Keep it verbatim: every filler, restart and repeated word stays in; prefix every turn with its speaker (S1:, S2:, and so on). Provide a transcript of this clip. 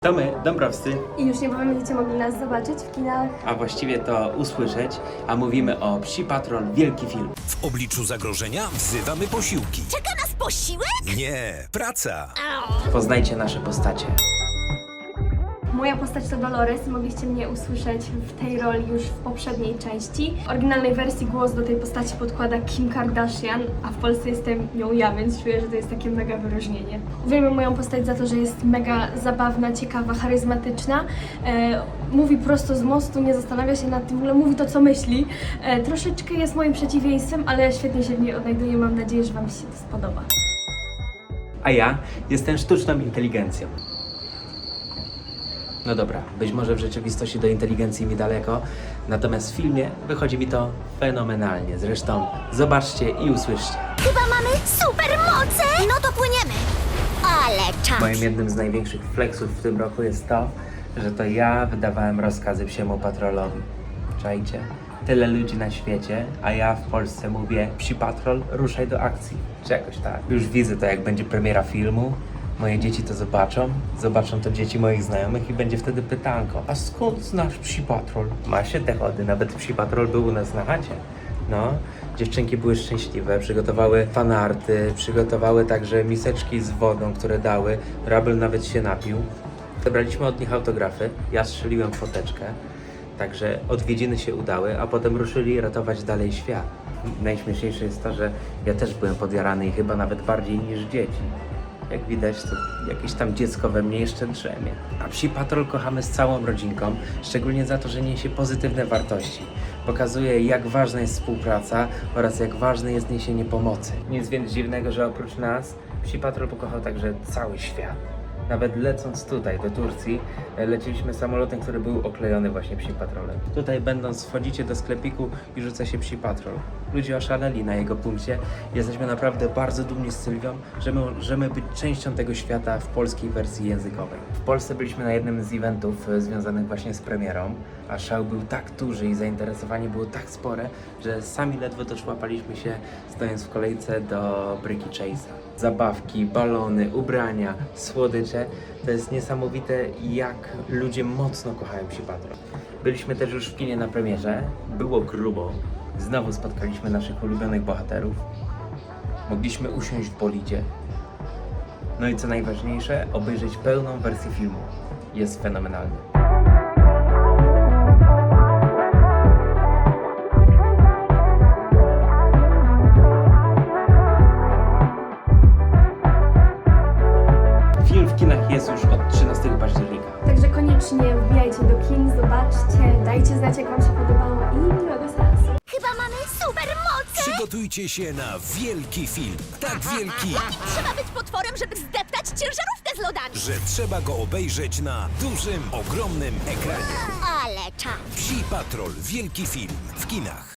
S1: To my, Dąbrowscy,
S2: I już niebawem będziecie mogli nas zobaczyć w kinach.
S1: a właściwie to usłyszeć, a mówimy o Psi Patrol, wielki film.
S3: W obliczu zagrożenia wzywamy posiłki.
S4: Czeka nas posiłek?
S3: Nie, praca.
S1: Poznajcie nasze postacie.
S2: Moja postać to Dolores, mogliście mnie usłyszeć w tej roli już w poprzedniej części. W oryginalnej wersji głos do tej postaci podkłada Kim Kardashian, a w Polsce jestem nią ja, więc czuję, że to jest takie mega wyróżnienie. Uwielbiam moją postać za to, że jest mega zabawna, ciekawa, charyzmatyczna. E, mówi prosto z mostu, nie zastanawia się nad tym, w ogóle mówi to, co myśli. E, troszeczkę jest moim przeciwieństwem, ale świetnie się w niej odnajduję. Mam nadzieję, że Wam się to spodoba.
S1: A ja jestem sztuczną inteligencją. No dobra, być może w rzeczywistości do inteligencji mi daleko, natomiast w filmie wychodzi mi to fenomenalnie. Zresztą zobaczcie i usłyszcie.
S4: Chyba mamy supermoce! No to płyniemy. Ale czas.
S1: Moim jednym z największych flexów w tym roku jest to, że to ja wydawałem rozkazy Psiemu Patrolowi. Czajcie? Tyle ludzi na świecie, a ja w Polsce mówię: Psi Patrol, ruszaj do akcji. Czy jakoś tak. Już widzę to, jak będzie premiera filmu. Moje dzieci to zobaczą, zobaczą to dzieci moich znajomych i będzie wtedy pytanko: a skąd znasz Psi Patrol? Ma się te chody, nawet Psi Patrol był u nas na chacie. No, dziewczynki były szczęśliwe, przygotowały fanarty, przygotowały także miseczki z wodą, które dały. Rabel nawet się napił. Zebraliśmy od nich autografy, ja strzeliłem foteczkę, także odwiedziny się udały, a potem ruszyli ratować dalej świat. Najśmieszniejsze jest to, że ja też byłem podjarany i chyba nawet bardziej niż dzieci. Jak widać, to jakieś tam dziecko we mnie jeszcze drzemie. A Psi Patrol kochamy z całą rodzinką, szczególnie za to, że niesie pozytywne wartości. Pokazuje, jak ważna jest współpraca oraz jak ważne jest niesienie pomocy. Nic więc dziwnego, że oprócz nas Psi Patrol pokochał także cały świat. Nawet lecąc tutaj, do Turcji, leciliśmy samolotem, który był oklejony właśnie Psim Patrolem. Tutaj będąc, wchodzicie do sklepiku i rzuca się Psi Patrol. Ludzie oszaleli na jego punkcie. Jesteśmy naprawdę bardzo dumni z Sylwią, że my możemy być częścią tego świata w polskiej wersji językowej. W Polsce byliśmy na jednym z eventów e, związanych właśnie z premierą, a szał był tak duży i zainteresowanie było tak spore, że sami ledwo doszłapaliśmy się, stojąc w kolejce do Bryki Chase'a. Zabawki, balony, ubrania, słodycze. To jest niesamowite, jak ludzie mocno kochają Psi Patrol. Byliśmy też już w kinie na premierze. Było grubo. Znowu spotkaliśmy naszych ulubionych bohaterów. Mogliśmy usiąść w bolidzie. No i co najważniejsze, obejrzeć pełną wersję filmu. Jest fenomenalny. Film w kinach jest już od trzynastego października.
S2: Także koniecznie wbijajcie do kin, zobaczcie, dajcie znać, jak Wam się podobało i miłego seansu.
S4: Chyba mamy supermoce!
S3: Przygotujcie się na wielki film. Tak wielki,
S4: Trzeba być potworem, żeby zdeptać ciężarówkę z lodami.
S3: że trzeba go obejrzeć na dużym, ogromnym ekranie.
S4: Ale czas.
S3: Psi Patrol, wielki film w kinach.